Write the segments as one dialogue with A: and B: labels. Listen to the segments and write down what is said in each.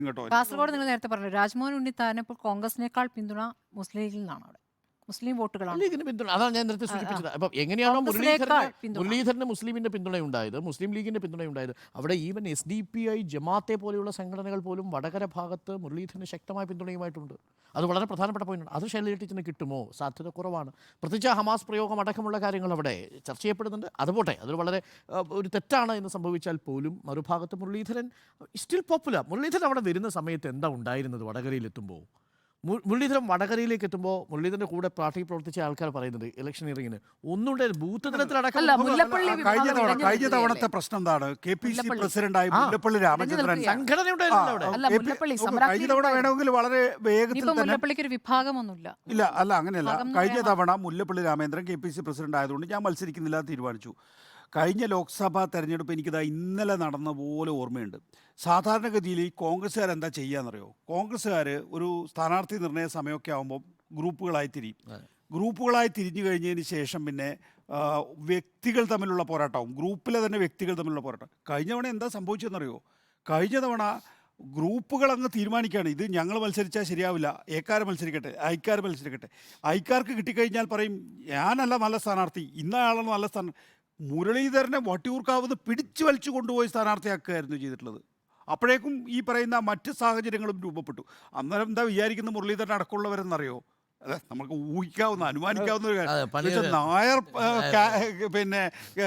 A: കേട്ടോ.
B: കാസർഗോഡ് നിങ്ങൾ നേരത്തെ പറഞ്ഞു രാജ്മോഹൻ ഉണ്ണിത്താൻ ഇപ്പോൾ കോൺഗ്രസിനേക്കാൾ പിന്തുണ മുസ്ലിം ലീഗിൽ നിന്നാണ്. അവിടെ മുസ്ലിം വോട്ടുകളാണ്
C: ലീഗിന് പിന്തുണ. അതാണ് ഞാൻ നേരത്തെ സൂചിപ്പിച്ചത്. അപ്പം എങ്ങനെയാണോ മുരളീധരന് മുസ്ലിമിന്റെ പിന്തുണയുണ്ടായത്, മുസ്ലിം ലീഗിന്റെ പിന്തുണയുണ്ടായത്, അവിടെ ഈവൻ SDPI, ജമാഅത്തെ പോലെയുള്ള സംഘടനകൾ പോലും വടകര ഭാഗത്ത് മുരളീധരന് ശക്തമായ പിന്തുണയുമായിട്ടുണ്ട്. അത് വളരെ പ്രധാനപ്പെട്ട പോയിന്റാണ്. അത് ശൈലജ ടീച്ചറിന് കിട്ടുമോ? സാധ്യത കുറവാണ്. പ്രത്യേകിച്ച് ഹമാസ് പ്രയോഗം അടക്കമുള്ള കാര്യങ്ങൾ അവിടെ ചർച്ച ചെയ്യപ്പെടുന്നുണ്ട്. അതുപോട്ടെ, അതൊരു വളരെ ഒരു തെറ്റാണ് എന്ന് സംഭവിച്ചാൽ പോലും മറുഭാഗത്ത് മുരളീധരൻ സ്റ്റിൽ പോപ്പുലർ. മുരളീധരൻ അവിടെ വരുന്ന സമയത്ത് എന്താ ഉണ്ടായിരുന്നത്? വടകരയിലെത്തുമ്പോൾ മുരളീധരൻ വടകരയിലേക്ക് എത്തുമ്പോൾ മുരളീധരന്റെ കൂടെ പാർട്ടി പ്രവർത്തിച്ച ആൾക്കാർ പറയുന്നത് ഇലക്ഷനിയറിങ്ങിന് ഒന്നുകൂടെ ബൂത്ത് തലത്തിലടക്കം
A: കഴിഞ്ഞ തവണത്തെ പ്രശ്നം എന്താണ്? KPC പ്രസിഡന്റായി മുല്ലപ്പള്ളി രാമചന്ദ്രൻ
C: സംഘടന ഉണ്ടായിരുന്നു അവിടെ.
A: കഴിഞ്ഞ തവണ വേണമെങ്കിൽ വളരെ വേഗത്തിൽ
B: മുല്ലപ്പള്ളിക്ക് ഒരു വിഭാഗമൊന്നുമില്ല.
A: ഇല്ല, അല്ല അങ്ങനെയല്ല. കഴിഞ്ഞ തവണ മുല്ലപ്പള്ളി രാമചന്ദ്രൻ KPC പ്രസിഡന്റ് ആയതുകൊണ്ട് ഞാൻ മത്സരിക്കുന്നില്ല എന്ന് തീരുമാനിച്ചു. കഴിഞ്ഞ ലോക്സഭാ തെരഞ്ഞെടുപ്പ് എനിക്കിതാ ഇന്നലെ നടന്ന പോലെ ഓർമ്മയുണ്ട്. സാധാരണഗതിയിൽ ഈ കോൺഗ്രസ്സുകാരെന്താ ചെയ്യാന്നറിയോ? കോൺഗ്രസ്സുകാർ ഒരു സ്ഥാനാർത്ഥി നിർണയ സമയമൊക്കെ ആകുമ്പോൾ ഗ്രൂപ്പുകളായി തിരിയും. ഗ്രൂപ്പുകളായി തിരിഞ്ഞു കഴിഞ്ഞതിന് ശേഷം പിന്നെ വ്യക്തികൾ തമ്മിലുള്ള പോരാട്ടവും, ഗ്രൂപ്പിലെ തന്നെ വ്യക്തികൾ തമ്മിലുള്ള പോരാട്ടം. കഴിഞ്ഞ തവണ എന്താ സംഭവിച്ചതെന്നറിയോ? കഴിഞ്ഞ തവണ ഗ്രൂപ്പുകൾ അങ്ങ് തീരുമാനിക്കുകയാണ്, ഇത് ഞങ്ങൾ മത്സരിച്ചാൽ ശരിയാവില്ല, ഏക്കാർ മത്സരിക്കട്ടെ, ഐക്കാർ മത്സരിക്കട്ടെ. ഐക്കാർക്ക് കിട്ടിക്കഴിഞ്ഞാൽ പറയും ഞാനല്ല നല്ല സ്ഥാനാർത്ഥി, ഇന്നയാളാണ് നല്ല സ്ഥാനാർത്ഥി. മുരളീധരനെ വട്ടിയൂർക്കാവുന്ന പിടിച്ചു വലിച്ചു കൊണ്ടുപോയി സ്ഥാനാർത്ഥിയാക്കുകയായിരുന്നു ചെയ്തിട്ടുള്ളത്. അപ്പോഴേക്കും ഈ പറയുന്ന മറ്റ് സാഹചര്യങ്ങളും രൂപപ്പെട്ടു. അന്നേരം എന്താ വിചാരിക്കുന്ന മുരളീധരൻ അടക്കമുള്ളവരെന്നറിയോ? അതെ, നമുക്ക് ഊഹിക്കാവുന്ന അനുമാനിക്കാവുന്ന ഒരു കാര്യം. നായർ പിന്നെ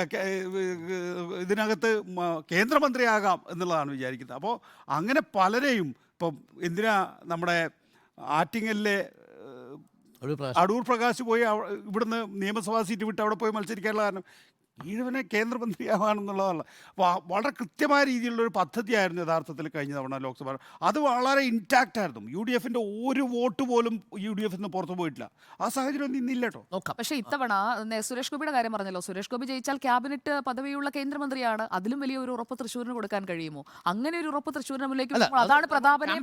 A: ഇതിനകത്ത് കേന്ദ്രമന്ത്രിയാകാം എന്നുള്ളതാണ് വിചാരിക്കുന്നത്. അപ്പോൾ അങ്ങനെ പലരെയും ഇപ്പം എന്തിനാ നമ്മുടെ ആറ്റിങ്ങലിലെ അടൂർ പ്രകാശ് പോയി ഇവിടുന്ന് നിയമസഭാ സീറ്റ് വിട്ട് അവിടെ പോയി മത്സരിക്കാനുള്ള കാരണം ഈഴവനെ കേന്ദ്രമന്ത്രിയാവാണെന്നുള്ളതല്ല. അപ്പോൾ വളരെ കൃത്യമായ രീതിയിലുള്ളൊരു പദ്ധതിയായിരുന്നു യഥാർത്ഥത്തിൽ കഴിഞ്ഞ തവണ ലോക്സഭ. അത് വളരെ ഇൻടാക്റ്റ് ആയിരുന്നു. UDFന്റെ ഒരു വോട്ട് പോലും UDF നിന്ന് പുറത്തു പോയിട്ടില്ല. ആ സാഹചര്യം ഒന്നും ഇന്നില്ല കേട്ടോ.
D: പക്ഷേ ഇത്തവണ സുരേഷ് ഗോപിയുടെ കാര്യം പറഞ്ഞല്ലോ. സുരേഷ് ഗോപി ജയിച്ചാൽ ക്യാബിനറ്റ് പദവിയുള്ള കേന്ദ്രമന്ത്രിയാണ്. അതിലും വലിയ ഒരു ഉറപ്പ് തൃശ്ശൂരിന് കൊടുക്കാൻ കഴിയുമോ? അങ്ങനെ ഒരു ഉറപ്പ് തൃശ്ശൂരിന് മുന്നിലേക്ക് അതാണ് പ്രതാപനെ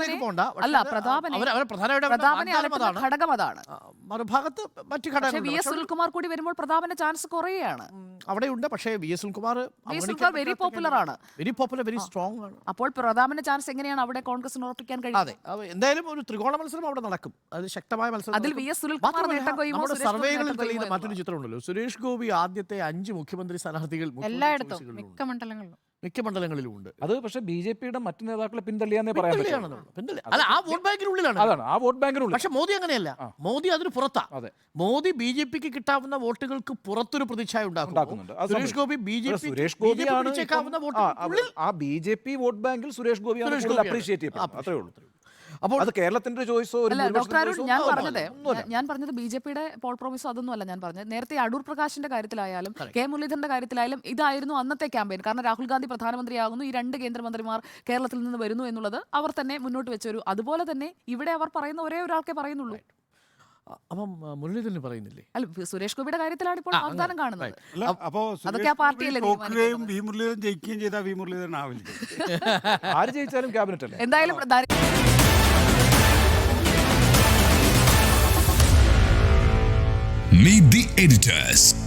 D: ഘടകം. അതാണ്
C: മറുഭാഗത്ത് മറ്റു ഘടകം.
D: VS സുനിൽകുമാർ കൂടി വരുമ്പോൾ പ്രതാപന്റെ ചാൻസ് കുറയുകയാണ്.
C: അവിടെയുണ്ട്. പക്ഷേ VS സുനിൽകുമാർ
D: വെരി പോപ്പുലർ ആണ്,
C: വെരി സ്ട്രോങ് ആണ്.
D: അപ്പോൾ പ്രതാപന്റെ ചാൻസ് എങ്ങനെയാണ് അവിടെ കോൺഗ്രസിന് ഉറപ്പിക്കാൻ കഴിയുന്നത്?
C: അതെ, എന്തായാലും ഒരു ത്രികോണ മത്സരം അവിടെ നടക്കും. അത് ശക്തമായ മത്സരം.
D: അതിൽ VS സുനിൽകുമാർ
C: സർവേകളിൽ തെളിയുന്ന മറ്റൊരു ചിത്രമുണ്ടല്ലോ. സുരേഷ് ഗോപി ആദ്യത്തെ 5 മുഖ്യമന്ത്രി സ്ഥാനാർത്ഥികൾ
B: എല്ലായിടത്തും മിക്ക മണ്ഡലങ്ങളിലും
E: ഉണ്ട്. അത് പക്ഷേ BJPയുടെ മറ്റു നേതാക്കളെ പിന്തള്ളിയാന്നേ പറയാൻ പറ്റുള്ളൂ.
C: ആ വോട്ട് ബാങ്കിനുള്ളിലാണ്.
E: അതാണ് ആ വോട്ട് ബാങ്കിനുള്ളിൽ.
C: പക്ഷെ മോദി അങ്ങനെയല്ല. മോദി അതിന് പുറത്താ. മോദി BJPക്ക് കിട്ടാവുന്ന വോട്ടുകൾക്ക് പുറത്തൊരു പ്രതിച്ഛായ ഉണ്ടാക്കുന്നുണ്ട്. സുരേഷ് ഗോപി
E: സുരേഷ് ഗോപിയാണ് ആ BJP വോട്ട് ബാങ്കിൽ സുരേഷ് ഗോപിയാണ് അപ്രീഷിയേറ്റ് ചെയ്യപ്പെടുന്നത്. അത്രേ ഉള്ളൂ. അപ്പോൾ അത് കേരളത്തിന്റെ ചോയ്സോ?
D: ഞാൻ പറഞ്ഞത് BJPയുടെ പോൾ പ്രോമിസോ അതൊന്നും അല്ല ഞാൻ പറഞ്ഞത്. നേരത്തെ അടൂർ പ്രകാശിന്റെ കാര്യത്തിലായാലും K മുരളീധരന്റെ കാര്യത്തിലായാലും ഇതായിരുന്നു അന്നത്തെ ക്യാമ്പയിൻ. കാരണം രാഹുൽ ഗാന്ധി പ്രധാനമന്ത്രിയാകുന്നു, ഈ 2 കേന്ദ്രമന്ത്രിമാർ കേരളത്തിൽ നിന്ന് വരുന്നു എന്നുള്ളത് അവർ തന്നെ മുന്നോട്ട് വെച്ചൊരു. അതുപോലെ തന്നെ ഇവിടെ അവർ പറയുന്ന ഒരേ ഒരാൾക്കേ പറയുന്നുള്ളൂ.
C: അപ്പം മുരളീധരൻ പറയുന്നില്ലേ?
D: അല്ല, സുരേഷ് ഗോപിയുടെ കാര്യത്തിലാണ് ഇപ്പോൾ വാഗ്ദാനം കാണുന്നത്.
A: അതൊക്കെ ആ പാർട്ടിയല്ലേ മുരളീധരൻ ജയിക്കുകയും ചെയ്താൽ മുരളീധരൻ ആവില്ല.
E: ആര് ജയിച്ചാലും ക്യാബിനറ്റ് അല്ലേ
D: എന്തായാലും.
F: Meet the editors.